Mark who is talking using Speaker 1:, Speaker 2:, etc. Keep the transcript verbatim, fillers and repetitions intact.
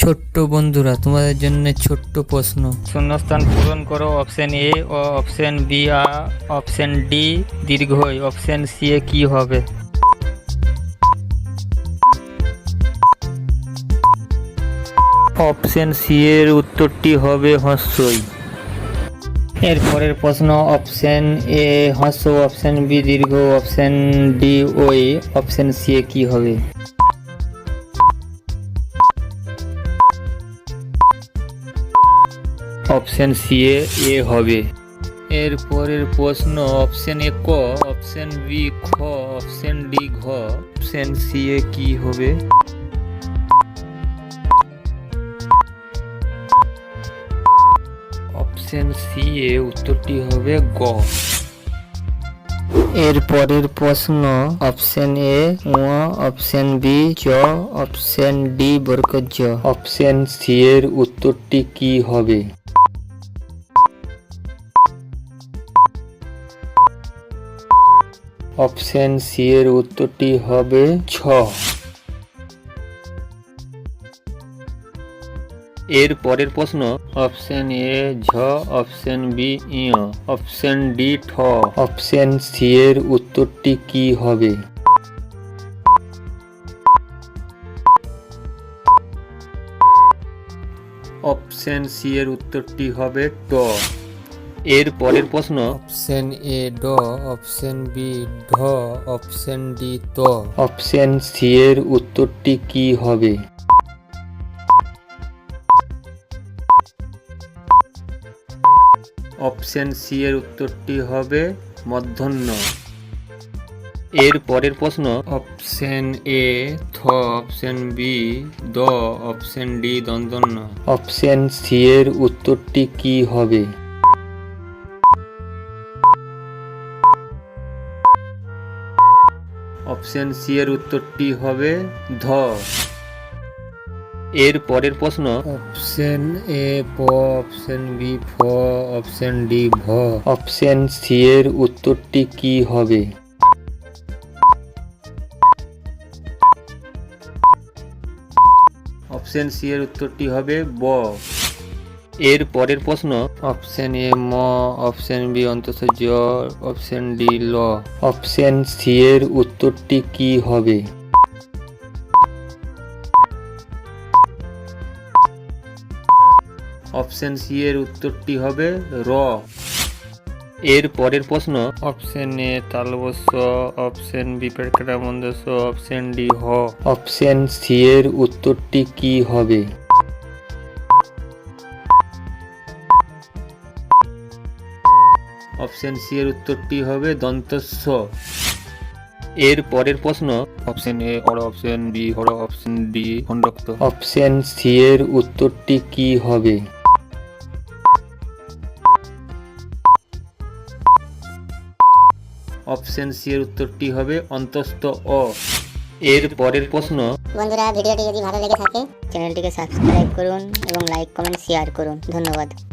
Speaker 1: ছোট্ট বন্ধুরা, তোমাদের জন্য ছোট্ট প্রশ্ন। শূন্যস্থান পূরণ করো। অপশন এ ও অপশন বি আ অপশন ডি দীর্ঘই, অপশন সি এ কি হবে? অপশন সি এর উত্তরটি হবে হ্রস্বই। এর পরের প্রশ্ন, অপশন এ হ্রস্ব, অপশন বি দীর্ঘ, অপশন ডি ওই, অপশন সি এ কি হবে? অপশন সি এ এ হবে। এর পরের প্রশ্ন, অপশন এ ক, অপশন বি খ, অপশন ডি ঘ, অপশন সি এ কি হবে? অপশন সি এ উত্তরটি হবে গ। এর পরের প্রশ্ন, অপশন এ ও, অপশন বি জ, অপশন ডি বর্গ জ, অপশন সি এর উত্তরটি কি হবে? অপশন সি এর উত্তরটি হবে ছ। এর পরের প্রশ্ন, অপশন এ ঝ, অপশন বি ই, অপশন ডি ঠ, অপশন সি এর উত্তরটি কি হবে? অপশন সি এর উত্তরটি হবে ট। এর পরের প্রশ্ন, অপশন এ ড, অপশন বি ঢ, অপশন ডি ত, অপশন সি এর উত্তরটি কি হবে? অপশন সি এর উত্তরটি হবে মূর্ধন্য। এর পরের প্রশ্ন, অপশন এ থ, অপশন বি দ, অপশন ডি দন্তন্য, অপশন সি এর উত্তরটি কি হবে? অপশন সি এর উত্তরটি হবে ধ। এর পরের প্রশ্ন, অপশন এ প, অপশন বি ফ, অপশন ডি ভ, অপশন সি এর উত্তরটি কি হবে? অপশন সি এর উত্তরটি হবে ব। এর পরের প্রশ্ন, অপশন এ ম, অপশন বি অন্তঃ জ, অপশন ডি ল, অপশন সি এর উত্তরটি কি হবে? অপশন সি এর উত্তরটি হবে র। এর পরের প্রশ্ন, অপশন এ তালবস্য, অপশন বি পেটকাটা মন্দস্য, অপশন ডি হ, অপশন সি এর উত্তরটি কি হবে? অপশন সি এর উত্তরটি হবে দন্তস্ব। এর পরের প্রশ্ন, অপশন এ হর, অপশন বি হর, অপশন ডি খণ্ডক্ত, অপশন সি এর উত্তরটি কি হবে? অপশন সি এর উত্তরটি হবে অন্তস্থ অ। এর পরের প্রশ্ন,
Speaker 2: বন্ধুরা ভিডিওটি যদি ভালো লেগে থাকে চ্যানেলটিকে সাবস্ক্রাইব করুন এবং লাইক কমেন্ট শেয়ার করুন। ধন্যবাদ।